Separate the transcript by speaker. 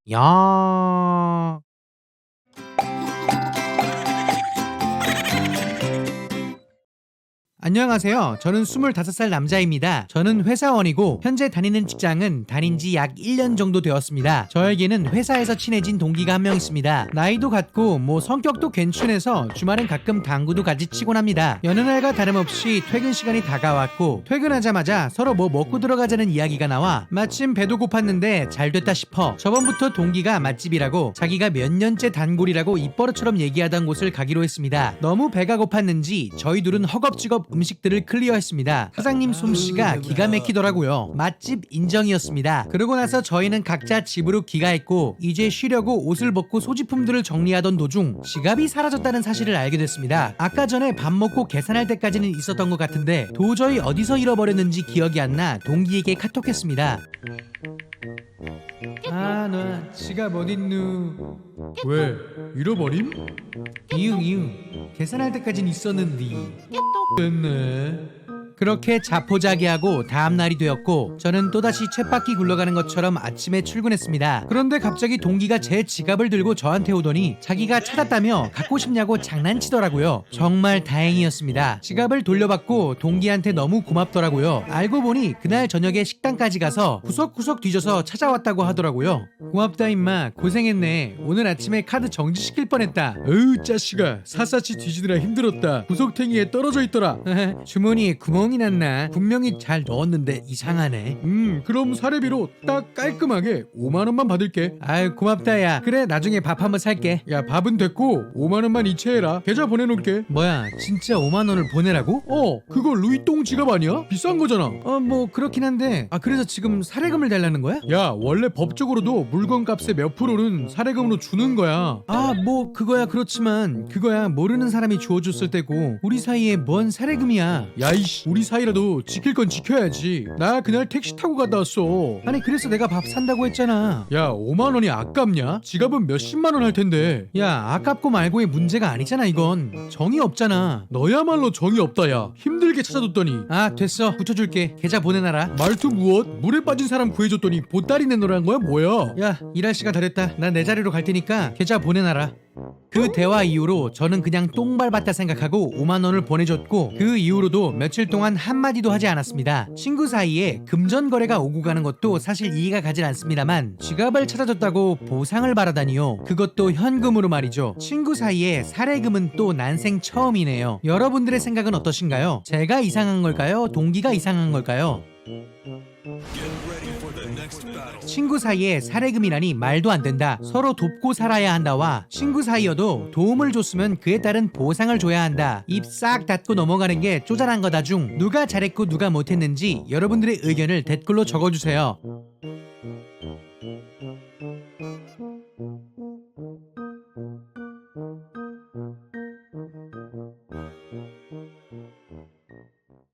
Speaker 1: 야. 안녕하세요. 저는 25살 남자입니다. 저는 회사원이고 현재 다니는 직장은 다닌 지 약 1년 정도 되었습니다. 저에게는 회사에서 친해진 동기가 한 명 있습니다. 나이도 같고 성격도 괜찮아서 주말엔 가끔 당구도 같이 치곤 합니다. 여느 날과 다름없이 퇴근 시간이 다가왔고 퇴근하자마자 서로 먹고 들어가자는 이야기가 나와 마침 배도 고팠는데 잘 됐다 싶어 저번부터 동기가 맛집이라고 자기가 몇 년째 단골이라고 입버릇처럼 얘기하던 곳을 가기로 했습니다. 너무 배가 고팠는지 저희 둘은 허겁지겁 음식들을 클리어했습니다. 사장님 솜씨가 기가 막히더라고요. 맛집 인정이었습니다. 그러고 나서 저희는 각자 집으로 귀가했고 이제 쉬려고 옷을 벗고 소지품들을 정리하던 도중 지갑이 사라졌다는 사실을 알게 됐습니다. 아까 전에 밥 먹고 계산할 때까지는 있었던 것 같은데 도저히 어디서 잃어버렸는지 기억이 안 나 동기에게 카톡했습니다. 너 지갑 어딨누?
Speaker 2: 왜? 잃어버림?
Speaker 1: 이응 계산할 때까진 있었는데
Speaker 2: 됐네.
Speaker 1: 그렇게 자포자기하고 다음날이 되었고 저는 또다시 쳇바퀴 굴러가는 것처럼 아침에 출근했습니다. 그런데 갑자기 동기가 제 지갑을 들고 저한테 오더니 자기가 찾았다며 갖고 싶냐고 장난치더라고요. 정말 다행이었습니다. 지갑을 돌려받고 동기한테 너무 고맙더라고요. 알고 보니 그날 저녁에 식당까지 가서 구석구석 뒤져서 찾아왔다고 하더라고요. 고맙다 임마, 고생했네. 오늘 아침에 카드 정지시킬 뻔했다.
Speaker 2: 어우 짜식아, 샅샅이 뒤지느라 힘들었다. 구석탱이에 떨어져 있더라.
Speaker 1: 주머니에 구멍이 났나? 분명히 잘 넣었는데 이상하네.
Speaker 2: 그럼 사례비로 딱 깔끔하게 5만원만 받을게.
Speaker 1: 아유 고맙다 야. 그래 나중에 밥 한번 살게.
Speaker 2: 야, 밥은 됐고 5만원만 이체해라. 계좌 보내놓을게.
Speaker 1: 뭐야 진짜 5만원을 보내라고?
Speaker 2: 그거 루이똥 지갑 아니야? 비싼 거잖아.
Speaker 1: 뭐 그렇긴 한데 그래서 지금 사례금을 달라는 거야?
Speaker 2: 야, 원래 법적으로도 물건 값의 몇 프로는 사례금으로 주는 거야.
Speaker 1: 뭐 그거야 그렇지만 그거야 모르는 사람이 주워줬을 때고 우리 사이에 뭔 사례금이야.
Speaker 2: 야이씨, 우리 사이라도 지킬 건 지켜야지. 나 그날 택시 타고 갔다 왔어.
Speaker 1: 아니 그래서 내가 밥 산다고 했잖아.
Speaker 2: 야, 5만원이 아깝냐? 지갑은 몇십만원 할 텐데.
Speaker 1: 야 아깝고 말고의 문제가 아니잖아. 이건 정이 없잖아.
Speaker 2: 너야말로 정이 없다. 야, 힘들게 찾아줬더니.
Speaker 1: 됐어 붙여줄게. 계좌 보내놔라.
Speaker 2: 말투 무엇? 물에 빠진 사람 구해줬더니 보따리 내놓으란 거야 뭐야?
Speaker 1: 야 일할 시간 다 됐다. 난 내 자리로 갈 테니까 계좌 보내놔라. 그 대화 이후로 저는 그냥 똥 밟았다 생각하고 5만원을 보내줬고 그 이후로도 며칠 동안 한마디도 하지 않았습니다. 친구 사이에 금전 거래가 오고 가는 것도 사실 이해가 가진 않습니다만 지갑을 찾아줬다고 보상을 바라다니요. 그것도 현금으로 말이죠. 친구 사이에 사례금은 또 난생 처음이네요. 여러분들의 생각은 어떠신가요? 제가 이상한 걸까요? 동기가 이상한 걸까요? 친구 사이에 사례금이라니 말도 안 된다. 서로 돕고 살아야 한다와 친구 사이여도 도움을 줬으면 그에 따른 보상을 줘야 한다. 입 싹 닫고 넘어가는 게 쪼잔한 거다 중 누가 잘했고 누가 못했는지 여러분들의 의견을 댓글로 적어주세요.